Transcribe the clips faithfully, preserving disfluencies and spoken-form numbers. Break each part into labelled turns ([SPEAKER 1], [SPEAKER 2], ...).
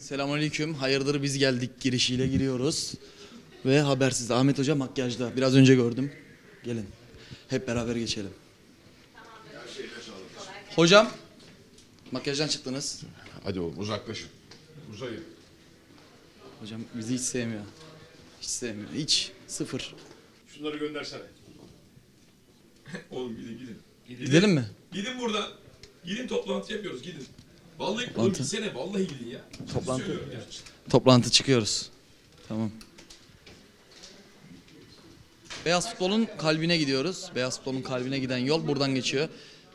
[SPEAKER 1] Selamünaleyküm. Hayırdır biz geldik girişiyle giriyoruz. Ve habersiz. Ahmet Hoca makyajda. Biraz önce gördüm. Gelin. Hep beraber geçelim. Hocam. Makyajdan çıktınız.
[SPEAKER 2] Hadi oğlum uzaklaşın. Uzayın.
[SPEAKER 1] Hocam bizi hiç sevmiyor. Hiç sevmiyor. Hiç. Sıfır.
[SPEAKER 2] Şunları göndersene. Oğlum gidin gidin. Gidin.
[SPEAKER 1] Gidelim mi?
[SPEAKER 2] Gidin buradan. Gidin toplantı yapıyoruz gidin. Vallahi
[SPEAKER 1] Toplantı.
[SPEAKER 2] oğlum gitsene vallahi gidin ya.
[SPEAKER 1] Toplantı.
[SPEAKER 2] Söylüyorum ya.
[SPEAKER 1] Toplantı çıkıyoruz. Tamam. Beyaz futbolun kalbine gidiyoruz. Beyaz futbolun kalbine giden yol buradan geçiyor.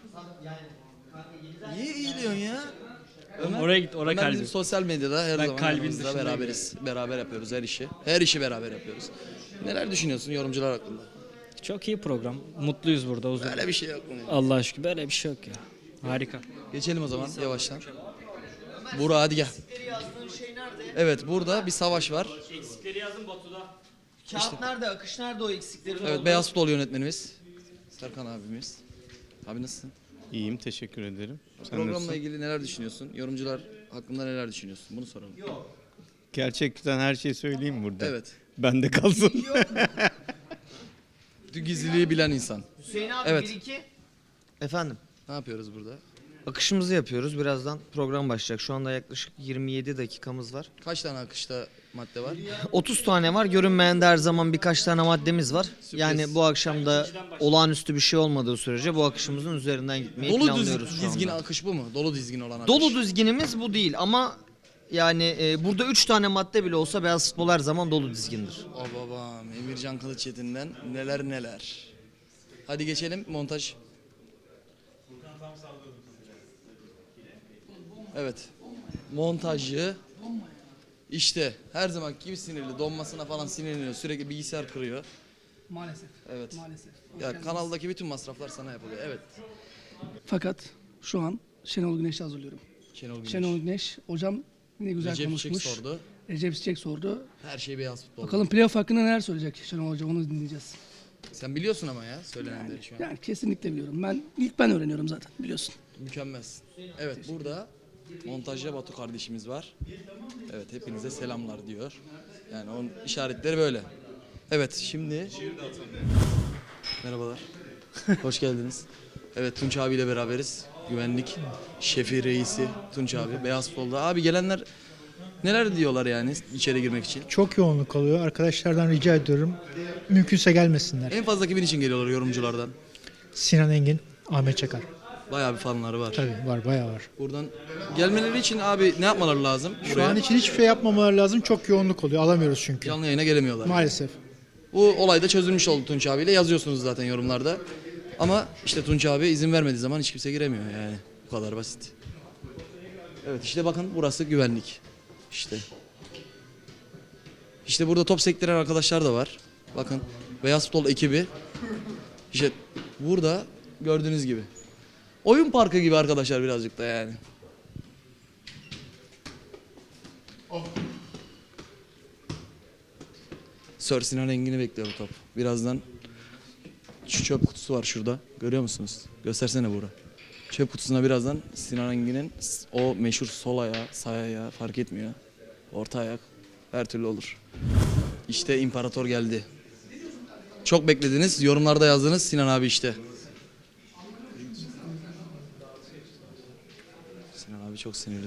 [SPEAKER 1] Niye eğiliyorsun ya? Ömer,
[SPEAKER 3] Oraya git, oraya
[SPEAKER 1] Ömer
[SPEAKER 3] kalbim.
[SPEAKER 1] bizim sosyal medyada her
[SPEAKER 3] Ben
[SPEAKER 1] zaman
[SPEAKER 3] kalbin
[SPEAKER 1] yanımızda
[SPEAKER 3] dışındayım.
[SPEAKER 1] beraberiz. Beraber yapıyoruz her işi. Her işi beraber yapıyoruz. Neler düşünüyorsun yorumcular hakkında?
[SPEAKER 3] Çok iyi program. Mutluyuz burada uzun.
[SPEAKER 1] Böyle bir şey yok mu?
[SPEAKER 3] Allah'a şükür böyle bir şey yok ya. Harika.
[SPEAKER 1] Geçelim o zaman yavaştan. Burak hadi gel. Evet burada bir savaş var.
[SPEAKER 3] Eksikleri yazın Batu'da.
[SPEAKER 4] Kağıt nerede? Akış nerede o eksikleri?
[SPEAKER 1] Evet beyaz futbol yönetmenimiz. Serkan abimiz. Abi nasılsın?
[SPEAKER 5] İyiyim, teşekkür ederim. Sen
[SPEAKER 1] Programla
[SPEAKER 5] nasılsın?
[SPEAKER 1] ilgili neler düşünüyorsun? Yorumcular hakkında neler düşünüyorsun? Bunu soralım.
[SPEAKER 5] Gerçekten her şeyi söyleyeyim burada.
[SPEAKER 1] Evet.
[SPEAKER 5] Bende kalsın.
[SPEAKER 1] Gizliliği bilen insan.
[SPEAKER 4] Hüseyin abi
[SPEAKER 1] Evet.
[SPEAKER 4] bir iki. Efendim.
[SPEAKER 1] Ne yapıyoruz burada?
[SPEAKER 4] Akışımızı yapıyoruz. Birazdan program başlayacak. Şu anda yaklaşık yirmi yedi dakikamız var.
[SPEAKER 1] Kaç tane akışta madde var?
[SPEAKER 4] otuz tane var. Görünmeyen de her zaman birkaç tane maddemiz var. Yani bu akşam da olağanüstü bir şey olmadığı sürece bu akışımızın üzerinden gitmeyi
[SPEAKER 1] Dolu düz,
[SPEAKER 4] planlıyoruz şu
[SPEAKER 1] dizgin
[SPEAKER 4] anda.
[SPEAKER 1] akış bu mu? Dolu dizgin olan akış.
[SPEAKER 4] Dolu dizginimiz bu değil ama yani e, burada üç tane madde bile olsa beyaz futbol her zaman dolu dizgindir.
[SPEAKER 1] O babam Emircan Kılıçetin'den neler neler. Hadi geçelim montaj. Evet. Montajı işte her zaman gibi sinirli. Donmasına falan sinirleniyor. Sürekli bilgisayar kırıyor.
[SPEAKER 6] Maalesef.
[SPEAKER 1] Evet.
[SPEAKER 6] Maalesef.
[SPEAKER 1] Ya kanaldaki bütün masraflar sana yapılıyor. Evet.
[SPEAKER 6] Fakat şu an Şenol Güneş'i hazırlıyorum.
[SPEAKER 1] Şenol Güneş.
[SPEAKER 6] Şenol Güneş hocam ne güzel
[SPEAKER 1] Recep Çiçek
[SPEAKER 6] konuşmuş.
[SPEAKER 1] sordu.
[SPEAKER 6] Recep Çiçek sordu.
[SPEAKER 1] Her şey beyaz futbol.
[SPEAKER 6] Bakalım playoff hakkında neler söyleyecek Şenol Hoca, onu dinleyeceğiz.
[SPEAKER 1] Sen biliyorsun ama ya söylenenleri şu an.
[SPEAKER 6] Yani kesinlikle biliyorum. Ben ilk ben öğreniyorum zaten, biliyorsun.
[SPEAKER 1] Mükemmelsin. Evet burada montajda Batu kardeşimiz var. Evet hepinize selamlar diyor. Yani onun işaretleri böyle. Evet şimdi... Merhabalar. Hoş geldiniz. Evet Tunç abiyle beraberiz. Güvenlik şefi reisi Tunç abi. Beyaz futbolda. Abi gelenler neler diyorlar yani içeri girmek için?
[SPEAKER 7] Çok yoğunluk oluyor. Arkadaşlardan rica ediyorum. Mümkünse gelmesinler.
[SPEAKER 1] En fazla kimin için geliyorlar yorumculardan?
[SPEAKER 7] Sinan Engin, Ahmet Çakar.
[SPEAKER 1] Bayağı bir fanları var.
[SPEAKER 7] Tabii var, bayağı var.
[SPEAKER 1] Buradan gelmeleri için abi ne yapmaları lazım?
[SPEAKER 7] Şu
[SPEAKER 1] Buraya?
[SPEAKER 7] an için hiçbir şey yapmamaları lazım. Çok yoğunluk oluyor. Alamıyoruz çünkü.
[SPEAKER 1] Canlı yayına gelemiyorlar.
[SPEAKER 7] Maalesef.
[SPEAKER 1] Bu olay da çözülmüş oldu Tunç abiyle. Yazıyorsunuz zaten yorumlarda. Ama işte Tunç abi izin vermediği zaman hiç kimse giremiyor yani. Bu kadar basit. Evet işte bakın burası güvenlik. İşte. İşte burada top sektiren arkadaşlar da var. Bakın Beyaz Futbol ekibi. İşte burada gördüğünüz gibi. Oyun parkı gibi arkadaşlar birazcık da yani. Sir Sinan Engin'i bekliyor bu top. Birazdan şu çöp kutusu var şurada. Görüyor musunuz? Göstersene Buğra. Çöp kutusuna birazdan Sinan Engin'in o meşhur sol ayağı, sağ ayağı fark etmiyor. Orta ayak her türlü olur. İşte imparator geldi. Çok beklediniz. Yorumlarda yazdınız Sinan abi işte. Sinan abi çok sinirli.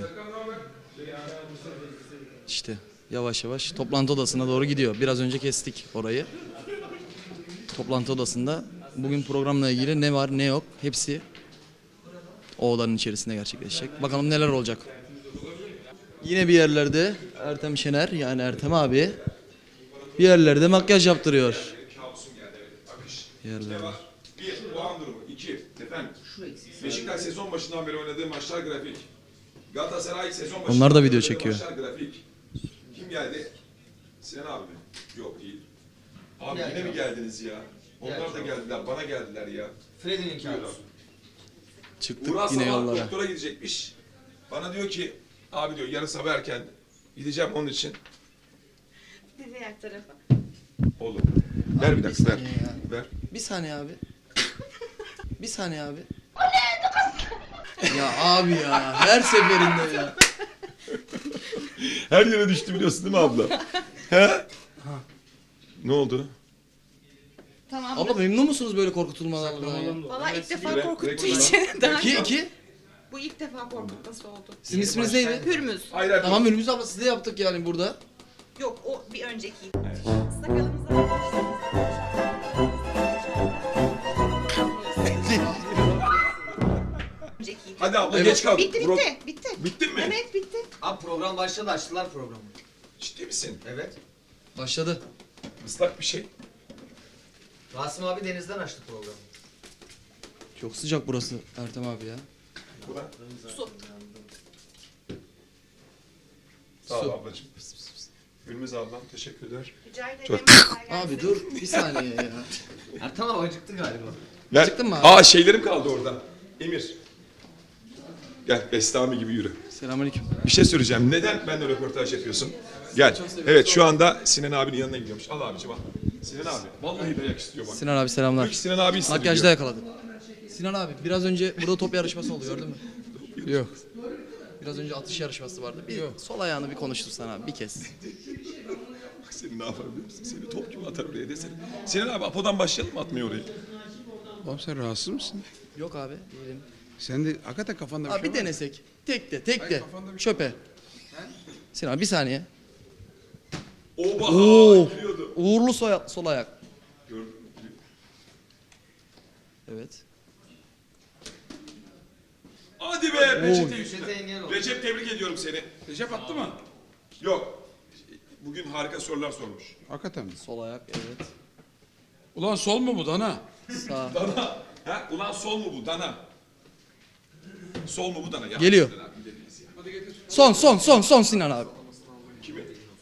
[SPEAKER 1] İşte yavaş yavaş toplantı odasına doğru gidiyor. Biraz önce kestik orayı. Toplantı odasında bugün programla ilgili ne var ne yok hepsi o odanın içerisinde gerçekleşecek. Bakalım neler olacak. Yine bir yerlerde Ertem Şener yani Ertem abi bir yerlerde makyaj yaptırıyor. Bir yerlerde.
[SPEAKER 2] Bir, puan durumu. İki, efendim. Beşiktaş sezon başından beri oynadığı maçlar grafik. Galatasaray sezon başından
[SPEAKER 1] Onlar da
[SPEAKER 2] beri
[SPEAKER 1] video
[SPEAKER 2] oynadığı
[SPEAKER 1] çekiyor.
[SPEAKER 2] Maçlar grafik. Kim geldi? Sinan abi mi? Yok değil. Abi yine mi geldiniz ya? Onlar da geldiler, bana geldiler ya.
[SPEAKER 4] Freddy'nin kağıdı.
[SPEAKER 1] Çıktık
[SPEAKER 2] Uğur
[SPEAKER 1] yine
[SPEAKER 2] sabah
[SPEAKER 1] yollara.
[SPEAKER 2] doktora gidecekmiş. Bana diyor ki, abi diyor yarın sabah erken gideceğim onun için.
[SPEAKER 8] Diğer tarafa.
[SPEAKER 2] Oğlum, ver bir dakika, ver. Ver.
[SPEAKER 1] Bir saniye abi. Bir saniye abi. Ya abi ya her seferinde ya.
[SPEAKER 2] Her yere düştü biliyorsun değil mi abla? He? Ne oldu?
[SPEAKER 8] Tamam.
[SPEAKER 1] Abla memnun musunuz böyle korkutulmalardan ya?
[SPEAKER 8] Valla ilk defa
[SPEAKER 2] Direkt-
[SPEAKER 8] korkuttuğu
[SPEAKER 2] direkt
[SPEAKER 8] için. Daha
[SPEAKER 1] İki, iki.
[SPEAKER 8] Bu ilk defa korkutması oldu.
[SPEAKER 1] Sizin isminiz neydi?
[SPEAKER 8] Hürmüz.
[SPEAKER 2] Hayır hayır.
[SPEAKER 1] Tamam Ünlümüz abla siz de yaptık yani burada.
[SPEAKER 8] Yok o bir önceki. Sakalımıza önceki.
[SPEAKER 2] Hadi abla
[SPEAKER 1] Evet.
[SPEAKER 2] geç kal.
[SPEAKER 8] Bitti
[SPEAKER 2] Bro-
[SPEAKER 8] bitti. Bitti.
[SPEAKER 2] Bittin mi?
[SPEAKER 8] Evet bitti.
[SPEAKER 4] Abi program başladı, açtılar programı.
[SPEAKER 2] Ciddi misin?
[SPEAKER 4] Evet.
[SPEAKER 1] Başladı.
[SPEAKER 2] Islak bir şey.
[SPEAKER 4] Rasim abi denizden açtı programı.
[SPEAKER 1] Çok sıcak burası Ertem abi ya.
[SPEAKER 2] Bu da.
[SPEAKER 8] Su.
[SPEAKER 2] Sağ ol ablacığım. Gülmez ablam teşekkürler.
[SPEAKER 8] Rica ederim.
[SPEAKER 2] Çok-
[SPEAKER 1] Abi dur bir saniye ya.
[SPEAKER 4] Ertan abi acıktı galiba.
[SPEAKER 2] Gel.
[SPEAKER 1] Çıktın mı abi?
[SPEAKER 2] Aa şeylerim kaldı orada. Emir. Gel Bestami gibi yürü.
[SPEAKER 1] Selamünaleyküm.
[SPEAKER 2] Bir şey söyleyeceğim. Neden benimle röportaj yapıyorsun? Gel. Evet şu anda Sinan abinin yanına gidiyormuş. Al abicim al. Sinan abi. Vallahi dayak istiyor bak.
[SPEAKER 1] Sinan abi selamlar.
[SPEAKER 2] Diyor ki Sinan abi istedi
[SPEAKER 1] Makyajda
[SPEAKER 2] diyor.
[SPEAKER 1] yakaladık. Sinan abi biraz önce burada top yarışması oldu gördün mü? Yok. Biraz önce atış yarışması vardı. Bir sol ayağını bir konuştursan abi bir kez.
[SPEAKER 2] Bak seni ne yapar biliyor musun? Seni top gibi atar oraya desene. Sinan abi Apo'dan başlayalım mı atmaya orayı?
[SPEAKER 9] Oğlum sen rahatsız mısın?
[SPEAKER 1] Yok abi diyelim.
[SPEAKER 9] Sen de hakikaten kafanda bir
[SPEAKER 1] Abi
[SPEAKER 9] şey
[SPEAKER 1] bir
[SPEAKER 9] var mı?
[SPEAKER 1] denesek. Tek de tek de.
[SPEAKER 9] kafanda bir
[SPEAKER 1] Çöpe. Sinan abi bir saniye.
[SPEAKER 2] Oba!
[SPEAKER 1] Oo.
[SPEAKER 2] Giriyordu.
[SPEAKER 1] Uğurlu soy sol ayak.
[SPEAKER 2] Gördün mü?
[SPEAKER 1] Evet.
[SPEAKER 2] Hadi be Recep
[SPEAKER 4] Köşete
[SPEAKER 2] tebrik,
[SPEAKER 4] engel oldu.
[SPEAKER 2] Recep tebrik ediyorum seni.
[SPEAKER 9] Recep attı mı?
[SPEAKER 2] Yok. Bugün harika sorular sormuş.
[SPEAKER 9] Hakikaten mi?
[SPEAKER 1] Sol ayak evet.
[SPEAKER 9] Ulan sol mu bu dana?
[SPEAKER 1] Sağ.
[SPEAKER 2] Dana. Ha? Ulan sol mu bu? Dana. Sol mu bu dana? Ya,
[SPEAKER 1] Geliyor.
[SPEAKER 2] Sinan abi, dediniz ya.
[SPEAKER 1] Son son son son Sinan abi.
[SPEAKER 2] Kimi?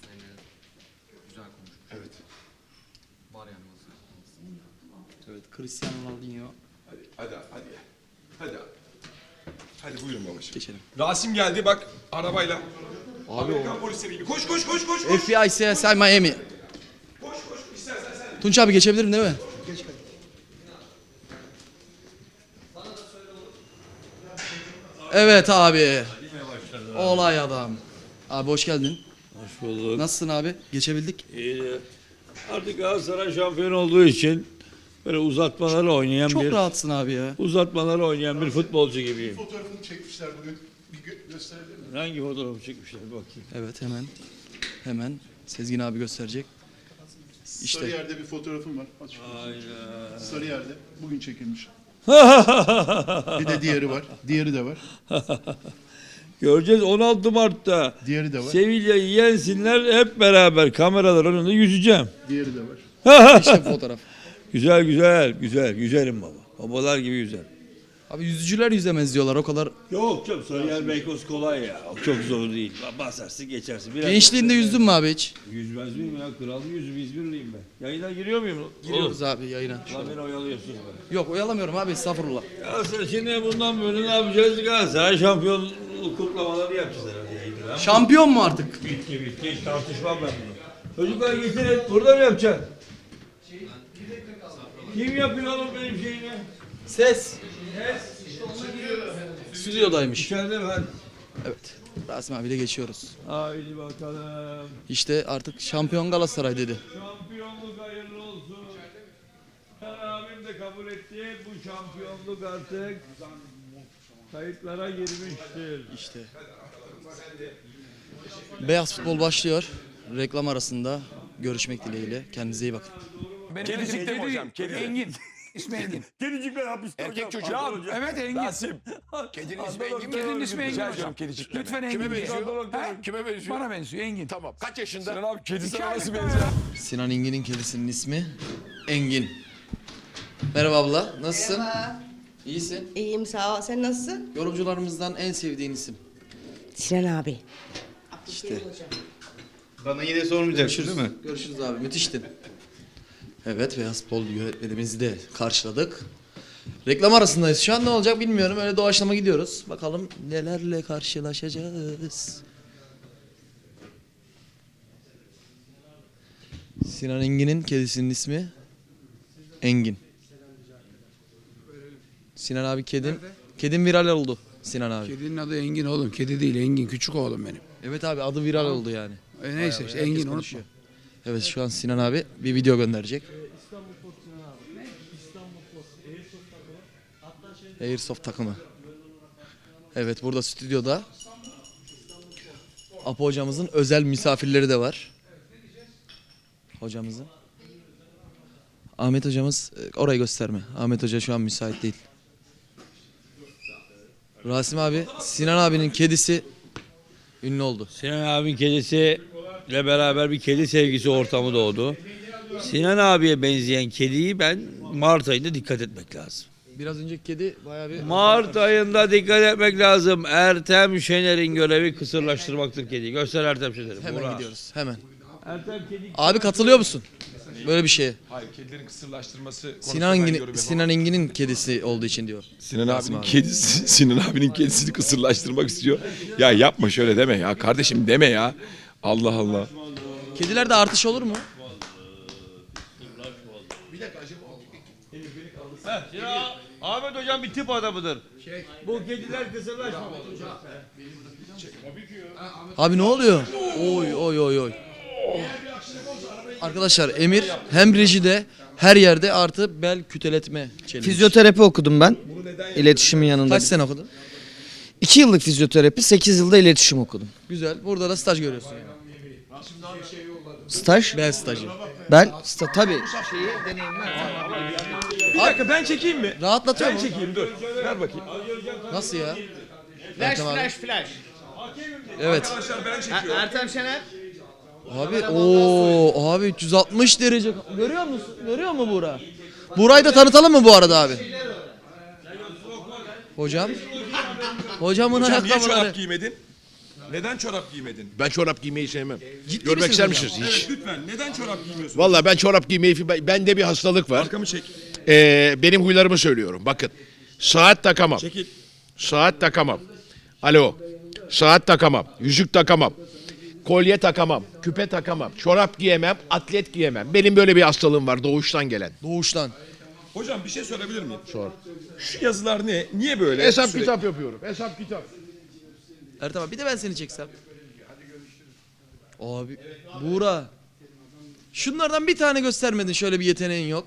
[SPEAKER 2] Evet.
[SPEAKER 1] Evet Cristiano Ronaldinho.
[SPEAKER 2] Hadi hadi hadi. Hadi. Hadi buyurun babacığım.
[SPEAKER 1] Geçelim.
[SPEAKER 2] Rasim geldi bak arabayla. Abi Amerikan polisleri gibi. Koş koş koş koş koş.
[SPEAKER 1] F B I, C S I, Miami.
[SPEAKER 2] Koş koş. İstersen sen.
[SPEAKER 1] Tunç abi geçebilirim değil mi? Evet abi. Olay adam. Abi hoş geldin.
[SPEAKER 10] Hoş bulduk.
[SPEAKER 1] Nasılsın abi? Geçebildik.
[SPEAKER 10] İyi. Artık Galatasaray şampiyon olduğu için böyle uzatmaları oynayan
[SPEAKER 1] Çok
[SPEAKER 10] bir
[SPEAKER 1] rahatsın abi ya.
[SPEAKER 10] uzatmaları oynayan bir futbolcu gibiyim.
[SPEAKER 7] Fotoğrafını çekmişler bugün. Bir gö- gösterebilir miyim?
[SPEAKER 10] Hangi fotoğrafı çekmişler bir bakayım.
[SPEAKER 1] Evet hemen. Hemen Sezgin abi gösterecek. İşte.
[SPEAKER 7] Sarıyer'de bir fotoğrafım var. Aç.
[SPEAKER 10] Aynen.
[SPEAKER 7] Sarıyer'de. Bugün çekilmiş. Bir de diğeri var. Diğeri de var.
[SPEAKER 10] Göreceğiz on altı Mart'ta.
[SPEAKER 7] Diğeri de var.
[SPEAKER 10] Sevilla'yı yensinler hep beraber kameralar önünde yüzeceğim.
[SPEAKER 7] Diğeri de var.
[SPEAKER 1] İşte bu fotoğraf.
[SPEAKER 10] Güzel güzel güzel güzelim baba. Babalar gibi güzel.
[SPEAKER 1] Abi yüzücüler yüzemez diyorlar o kadar.
[SPEAKER 10] Yok canım Sarıyer Beykoz kolay ya. Çok zor değil. Basarsın geçersin. Biraz
[SPEAKER 1] Gençliğinde yüzdün mü abi hiç?
[SPEAKER 10] Yüzmez miyim ya? Kral yüzü İzmirliyim ben. Yayına giriyor muyum?
[SPEAKER 1] Giriyoruz abi yayına.
[SPEAKER 10] Lan beni oyalıyorsun be.
[SPEAKER 1] Yok oyalamıyorum abi estağfurullah.
[SPEAKER 10] Ya sen şimdi bundan böyle ne yapacağız? Galatasaray şampiyonluk kutlamaları yapacağız herhalde yayında.
[SPEAKER 1] Şampiyon mu artık?
[SPEAKER 10] Bitti bitti. Hiç tartışmam ben bunu. Çocuklar getirin. Burada mı yapacaksın? Kim yapıyor oğlum benim şeyimi?
[SPEAKER 1] Ses. Stüdyodaymış.
[SPEAKER 10] İçeride mi? Hadi.
[SPEAKER 1] Evet. Rasim abiyle geçiyoruz.
[SPEAKER 10] Haydi bakalım.
[SPEAKER 1] İşte artık şampiyon Galatasaray dedi.
[SPEAKER 10] Şampiyonluk hayırlı olsun. Sen abim de kabul etti. Bu şampiyonluk artık kayıtlara girmiştir.
[SPEAKER 1] İşte. Beyaz futbol başlıyor. Reklam arasında görüşmek dileğiyle. Kendinize iyi bakın.
[SPEAKER 11] Kedicik de mi hocam? Kedi.
[SPEAKER 9] Engin. İsmi Engin.
[SPEAKER 10] Kedicikler hapiste
[SPEAKER 11] Erkek
[SPEAKER 10] hocam.
[SPEAKER 11] çocuğu.
[SPEAKER 10] Adnan hocam.
[SPEAKER 9] Evet Engin.
[SPEAKER 11] Rasim. Kedinin ismi Engin mi?
[SPEAKER 9] Kedinin ismi Engin
[SPEAKER 11] Rica
[SPEAKER 9] hocam.
[SPEAKER 11] ediyorum kedicikle.
[SPEAKER 9] Lütfen
[SPEAKER 11] Kime
[SPEAKER 9] Engin.
[SPEAKER 11] benziyor?
[SPEAKER 9] Ha?
[SPEAKER 11] Kime benziyor?
[SPEAKER 9] Bana benziyor Engin.
[SPEAKER 11] Tamam. Kaç yaşında?
[SPEAKER 10] Sinan abi kedi
[SPEAKER 9] İki
[SPEAKER 10] sana nasıl
[SPEAKER 9] aylık
[SPEAKER 10] benziyor?
[SPEAKER 9] daha.
[SPEAKER 1] Sinan Engin'in kedisinin ismi Engin. Merhaba abla. Nasılsın?
[SPEAKER 8] Merhaba.
[SPEAKER 1] İyisin.
[SPEAKER 8] İyiyim sağ ol. Sen nasılsın?
[SPEAKER 1] Yorumcularımızdan en sevdiğin isim.
[SPEAKER 8] Sinan abi.
[SPEAKER 1] İşte.
[SPEAKER 5] Bana yine sormayacaksın değil mi?
[SPEAKER 1] Görüşürüz abi. Müthiştin. Evet Beyaz Futbol yönetmenimizi de karşıladık. Reklam arasındayız. Şu an ne olacak bilmiyorum. Öyle doğaçlama gidiyoruz. Bakalım nelerle karşılaşacağız. Sinan Engin'in kedisinin ismi Engin. Sinan abi kedin. Kedin viral oldu Sinan abi.
[SPEAKER 9] Kedinin adı Engin oğlum. Kedi değil Engin. Küçük oğlum benim.
[SPEAKER 1] Evet abi adı viral oldu yani.
[SPEAKER 9] E, neyse işte
[SPEAKER 1] Herkes
[SPEAKER 9] Engin unutma.
[SPEAKER 1] konuşuyor. Evet şu an Sinan abi bir video gönderecek. Airsoft takımı. Evet burada stüdyoda Apo hocamızın özel misafirleri de var. Hocamızın. Ahmet hocamız e, orayı gösterme. Ahmet hoca şu an müsait değil. Rasim abi, Sinan abinin kedisi ünlü oldu.
[SPEAKER 10] Sinan abinin kedisi ile beraber bir kedi sevgisi ortamı doğdu. Sinan abiye benzeyen kediyi ben Mart ayında dikkat etmek lazım.
[SPEAKER 1] Biraz önceki kedi bayağı bir...
[SPEAKER 10] Mart ayında dikkat etmek lazım. Ertem Şener'in görevi kısırlaştırmaktır kediyi. Göster Ertem Şener'i.
[SPEAKER 1] Hemen
[SPEAKER 10] Burak.
[SPEAKER 1] gidiyoruz, hemen.
[SPEAKER 10] Ertem kedi.
[SPEAKER 1] Abi katılıyor musun? Böyle bir şeye.
[SPEAKER 2] Hayır, kedilerin kısırlaştırması konusunda
[SPEAKER 1] Sinan
[SPEAKER 2] ben
[SPEAKER 1] Engin'in
[SPEAKER 2] yorum yapamam.
[SPEAKER 1] Sinan Engin'in kedisi olduğu için diyor.
[SPEAKER 2] Sinan
[SPEAKER 1] Rasim
[SPEAKER 2] abinin
[SPEAKER 1] abi.
[SPEAKER 2] kedisi, Sinan abinin kedisini kısırlaştırmak istiyor. Ya yapma şöyle deme ya kardeşim deme ya. Allah Allah.
[SPEAKER 1] Kedilerde artış olur mu?
[SPEAKER 10] Ya, Ahmet hocam bir tip adamıdır. Bu kediler kısırlaşmamalı.
[SPEAKER 1] Abi ne oluyor? Oy oy oy oy. Arkadaşlar Emir hem rejide her yerde artı bel küteletme challenge.
[SPEAKER 4] Fizyoterapi okudum ben. İletişimin yanında.
[SPEAKER 1] Kaç sene okudun?
[SPEAKER 4] iki yıllık fizyoterapi, sekiz yılda iletişim okudum.
[SPEAKER 1] Güzel. Burada da staj görüyorsun yani.
[SPEAKER 4] Staj?
[SPEAKER 1] Bel stajı.
[SPEAKER 4] Ben sta tabii şeyi deneyimler.
[SPEAKER 2] Bir dakika ben çekeyim mi?
[SPEAKER 1] Rahatlatıyor
[SPEAKER 2] Ben
[SPEAKER 1] mu?
[SPEAKER 2] çekeyim dur. Ver bakayım.
[SPEAKER 1] Nasıl ya?
[SPEAKER 3] Flash
[SPEAKER 1] Ertem abi.
[SPEAKER 3] flash flash.
[SPEAKER 1] Evet.
[SPEAKER 2] Arkadaşlar ben çekiyorum.
[SPEAKER 3] Ertem Şener.
[SPEAKER 1] Abi o abi üç yüz altmış derece. Görüyor musun? Görüyor mu Buğra? Buğra'yı da tanıtalım mı bu arada abi? Hocam. Hocamın
[SPEAKER 2] Hocam niye
[SPEAKER 1] ayakkabıları.
[SPEAKER 2] çorap giymedin? Neden çorap giymedin?
[SPEAKER 7] Ben çorap giymeyi sevmem.
[SPEAKER 1] Ciddi
[SPEAKER 7] Görmek
[SPEAKER 1] misiniz
[SPEAKER 7] ister
[SPEAKER 1] hocam?
[SPEAKER 7] misiniz hiç?
[SPEAKER 2] Lütfen neden çorap giymiyorsun?
[SPEAKER 7] Vallahi ben çorap giymeyi, ben- bende bir hastalık var.
[SPEAKER 2] Arkamı çek.
[SPEAKER 7] Ee, benim huylarımı söylüyorum. Bakın. Saat takamam.
[SPEAKER 2] Çekil.
[SPEAKER 7] Saat takamam. Alo. Saat takamam. Yüzük takamam. Kolye takamam. Küpe takamam. Çorap giyemem. Atlet giyemem. Benim böyle bir hastalığım var doğuştan gelen.
[SPEAKER 1] Doğuştan.
[SPEAKER 2] Hocam bir şey sorabilir miyim?
[SPEAKER 7] Sor.
[SPEAKER 2] Şu yazılar ne? Niye böyle?
[SPEAKER 7] Hesap
[SPEAKER 2] Sürekli-
[SPEAKER 7] kitap yapıyorum. Hesap kitap.
[SPEAKER 1] Ertem abi bir de ben seni çeksem. Abi Buğra. Şunlardan bir tane göstermedin, şöyle bir yeteneğin yok.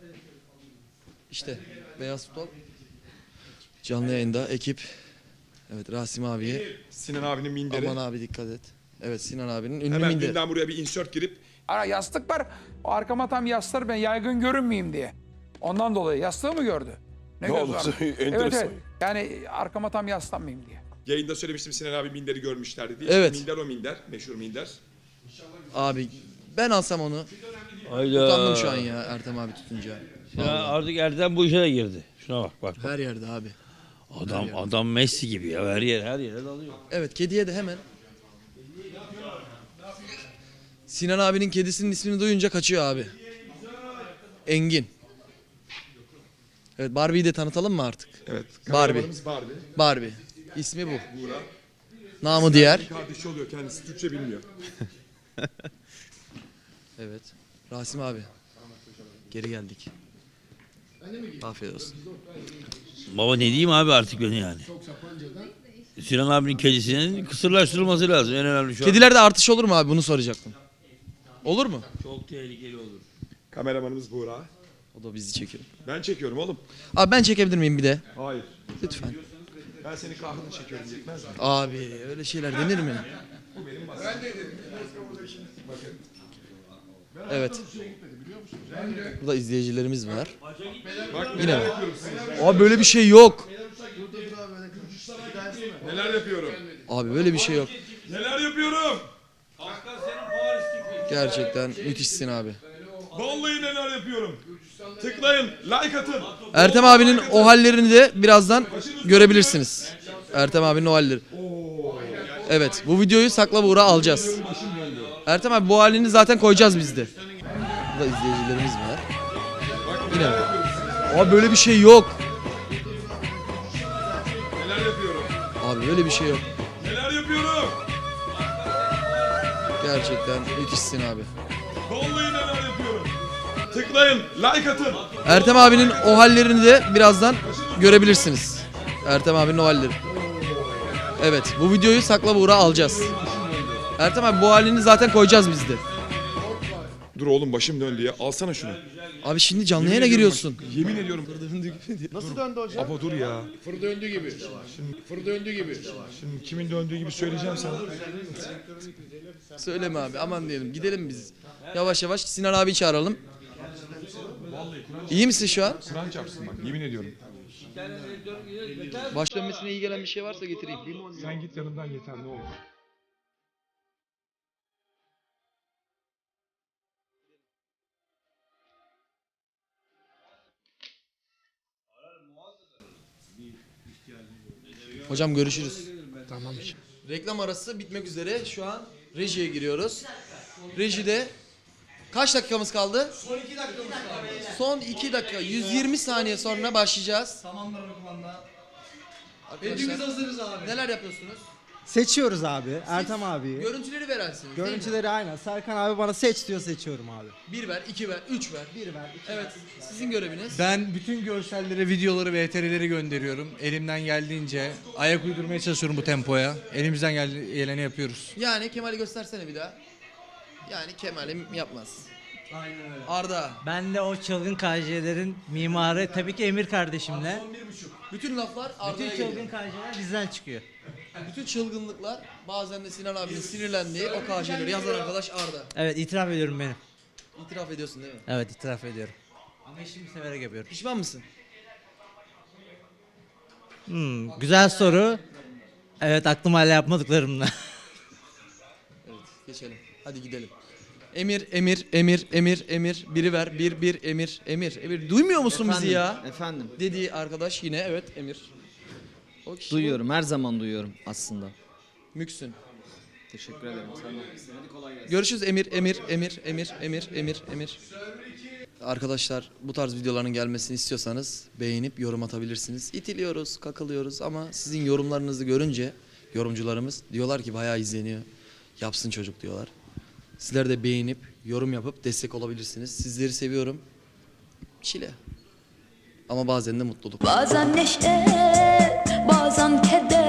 [SPEAKER 1] İşte beyaz futbol. Canlı yayında ekip. Evet Rasim abiye.
[SPEAKER 2] Sinan abinin minderi.
[SPEAKER 1] Aman abi dikkat et. Evet Sinan abinin ünlü
[SPEAKER 2] Hemen
[SPEAKER 1] minderi.
[SPEAKER 2] dünden buraya bir insert girip
[SPEAKER 9] Ara yastık var. O arkama tam yaslar ben yaygın görünmeyeyim diye. Ondan dolayı yastığı mı gördü? Ne,
[SPEAKER 2] Ne
[SPEAKER 9] göz
[SPEAKER 2] oldu?
[SPEAKER 9] vardı? Evet
[SPEAKER 2] Enteresan.
[SPEAKER 9] evet. Yani arkama tam yaslanmayayım diye.
[SPEAKER 2] yayında söylemiştim Sinan abi minderi görmüşlerdi diye.
[SPEAKER 1] Evet.
[SPEAKER 2] Minder o minder. Meşhur minder.
[SPEAKER 1] Abi ben alsam onu.
[SPEAKER 10] Hayda.
[SPEAKER 1] Utandım şu an ya Ertem abi tutunca.
[SPEAKER 10] Ya artık Ertem bu işe de girdi. Şuna bak bak.
[SPEAKER 1] Her yerde abi.
[SPEAKER 10] Adam adam Messi gibi ya. Her yer her yere dalıyor.
[SPEAKER 1] Evet kediye de hemen. Sinan abinin kedisinin ismini duyunca kaçıyor abi. Engin. Evet Barbie'yi de tanıtalım mı artık?
[SPEAKER 2] Evet.
[SPEAKER 1] Barbie.
[SPEAKER 2] kameramanımız Barbie.
[SPEAKER 1] Barbie. İsmi bu.
[SPEAKER 2] Buğra.
[SPEAKER 1] Namı diğer.
[SPEAKER 2] Kardeşi oluyor kendisi Türkçe bilmiyor.
[SPEAKER 1] Evet. Rasim abi. Geri geldik. Afiyet olsun.
[SPEAKER 10] Baba ne diyeyim abi artık ben yani. Sinan abinin kedisinin kısırlaştırılması lazım. En önemli şu an.
[SPEAKER 1] Kedilerde artış olur mu abi? Bunu soracaktım. Olur mu?
[SPEAKER 10] Çok tehlikeli olur.
[SPEAKER 2] Kameramanımız Buğra.
[SPEAKER 1] O da bizi çekiyor.
[SPEAKER 2] Ben çekiyorum oğlum.
[SPEAKER 1] Abi ben çekebilir miyim bir de?
[SPEAKER 2] Hayır.
[SPEAKER 1] Lütfen.
[SPEAKER 2] Ben senin kahrını çekiyorum yetmez mi?
[SPEAKER 1] Abi öyle şeyler denir mi? Evet. Burada izleyicilerimiz var.
[SPEAKER 2] Bak
[SPEAKER 1] Yine
[SPEAKER 2] neler
[SPEAKER 1] mi?
[SPEAKER 2] yapıyorum size.
[SPEAKER 1] Abi böyle bir şey yok.
[SPEAKER 2] Neler yapıyorum.
[SPEAKER 1] Abi böyle bir şey yok.
[SPEAKER 2] Neler yapıyorum.
[SPEAKER 1] Gerçekten müthişsin abi.
[SPEAKER 2] Vallahi neler yapıyorum. Tıklayın, like atın.
[SPEAKER 1] Ertem abinin o hallerini de birazdan görebilirsiniz. Ertem abinin o halleri. Evet bu videoyu sakla Buğra alacağız. Ertem abi bu halini zaten koyacağız biz de. Burada izleyicilerimiz var. Yine mi? Abi böyle bir şey yok.
[SPEAKER 2] Neler yapıyorum.
[SPEAKER 1] Abi böyle bir şey yok.
[SPEAKER 2] Neler yapıyorum.
[SPEAKER 1] Gerçekten müthişsin abi.
[SPEAKER 2] Vallahi neler yapıyorum. Tıklayın, like atın.
[SPEAKER 1] Ertem abinin o hallerini de birazdan görebilirsiniz. Ertem abinin o halleri. Evet bu videoyu sakla Buğra alacağız. Ertem abi bu halini zaten koyacağız biz de.
[SPEAKER 2] Dur oğlum başım döndü ya. Alsana şunu.
[SPEAKER 1] Abi şimdi canlı
[SPEAKER 2] Yemin
[SPEAKER 1] yayına
[SPEAKER 2] ediyorum
[SPEAKER 1] giriyorsun.
[SPEAKER 2] bak, yemin ediyorum. Nasıl döndü hocam? Ama dur ya.
[SPEAKER 7] Fır döndü gibi. Fır döndü gibi.
[SPEAKER 2] Şimdi kimin döndüğü gibi söyleyeceğim sana.
[SPEAKER 1] Söyleme abi aman diyelim gidelim biz. Yavaş yavaş Sinan abi çağıralım. İyi misin şu an?
[SPEAKER 2] Kur'an çarpsın bak yemin ediyorum.
[SPEAKER 1] Baş dönmesine iyi gelen bir şey varsa getireyim.
[SPEAKER 2] Sen git yanımdan yeter ne olur.
[SPEAKER 1] Hocam görüşürüz. Tamam. Reklam arası bitmek üzere. Şu an rejiye giriyoruz. Rejide kaç dakikamız kaldı? Son iki dakikamız kaldı. Son iki dakika. yüz yirmi saniye sonra başlayacağız.
[SPEAKER 6] Tamamlar kumanda.
[SPEAKER 1] Arkadaşlar hazırız abi. Neler yapıyorsunuz?
[SPEAKER 12] Seçiyoruz abi. Ertem abi.
[SPEAKER 1] Görüntüleri verensiniz değil mi?
[SPEAKER 12] Görüntüleri aynen. Serkan abi bana seç diyor, seçiyorum abi.
[SPEAKER 1] Bir ver, iki ver, üç ver.
[SPEAKER 12] Bir ver. iki
[SPEAKER 1] Evet, sizin göreviniz.
[SPEAKER 12] Ben bütün görselleri, videoları ve E T R'leri gönderiyorum. Elimden geldiğince ayak uydurmaya çalışıyorum bu tempoya. Elimizden geldi- geleni yapıyoruz.
[SPEAKER 1] Yani Kemal'i göstersene bir daha. Yani Kemal'im yapmaz.
[SPEAKER 3] Aynen öyle.
[SPEAKER 1] Arda.
[SPEAKER 3] Ben de o çılgın K J'lerin mimarı tabii ki Emir kardeşimle.
[SPEAKER 1] Bütün laflar Arda'ya geliyor.
[SPEAKER 3] K J'ler bizden çıkıyor.
[SPEAKER 1] Bütün çılgınlıklar bazen de Sinan abinin sinirlendiği o K J'leri yazan arkadaş Arda.
[SPEAKER 3] Evet itiraf ediyorum benim.
[SPEAKER 1] İtiraf ediyorsun değil mi?
[SPEAKER 3] Evet itiraf ediyorum. Ama işimi severek yapıyorum.
[SPEAKER 1] Pişman mısın?
[SPEAKER 3] Hmm, güzel soru. Evet aklım hala yapmadıklarımla.
[SPEAKER 1] Evet, geçelim. Hadi gidelim. Emir, Emir, Emir, Emir, Emir. Biri ver, bir, bir, Emir, Emir, Emir. Duymuyor musun bizi ya?
[SPEAKER 4] Efendim.
[SPEAKER 1] Dediği arkadaş yine evet Emir. O kişi
[SPEAKER 4] Duyuyorum. Her zaman duyuyorum aslında.
[SPEAKER 1] bu. Müksün.
[SPEAKER 4] Teşekkür ederim. Sen de haklısın. Hadi kolay gelsin.
[SPEAKER 1] Görüşürüz Emir, Emir, Emir, Emir, Emir, Emir, Emir. Arkadaşlar bu tarz videoların gelmesini istiyorsanız beğenip yorum atabilirsiniz. İtiliyoruz, kakılıyoruz ama sizin yorumlarınızı görünce yorumcularımız diyorlar ki bayağı izleniyor. Yapsın çocuk diyorlar. Sizler de beğenip yorum yapıp destek olabilirsiniz. Sizleri seviyorum. Çile. Ama bazen de mutluluk.
[SPEAKER 13] Bazen neşe, bazen keder.